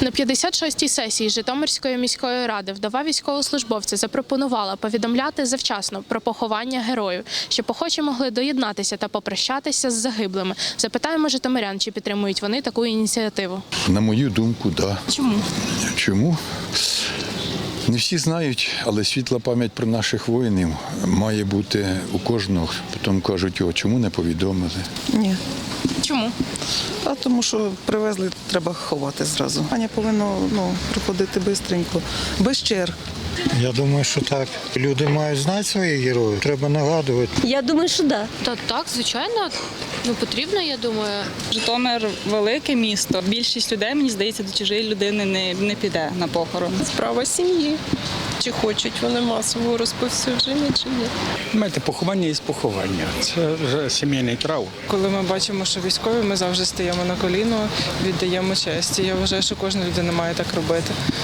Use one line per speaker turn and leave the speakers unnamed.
На 56-й сесії Житомирської міської ради вдова військовослужбовця запропонувала повідомляти завчасно про поховання героїв, щоб охочі могли доєднатися та попрощатися з загиблими. Запитаємо житомирян, чи підтримують вони таку ініціативу.
На мою думку, так. Да.
Чому?
Чому? Не всі знають, але світла пам'ять про наших воїнів має бути у кожного. Потім кажуть, чому не повідомили.
Ні.
Чому?
А тому що привезли, треба ховати зразу. Аня повинна приходити швидко, без черг.
Я думаю, що так. Люди мають знати своїх героїв, треба нагадувати.
Я думаю, що так.
Так, звичайно, потрібно, я думаю.
Житомир – велике місто. Більшість людей, мені здається, до чужої людини не піде на похорон.
Справа сім'ї. Чи хочуть вони масового розповсюдження, чи ні.
Знаєте, поховання є поховання. Це вже сімейний траур.
Коли ми бачимо, що військові, ми завжди стаємо на коліно, віддаємо честь. І я вважаю, що кожна людина має так робити.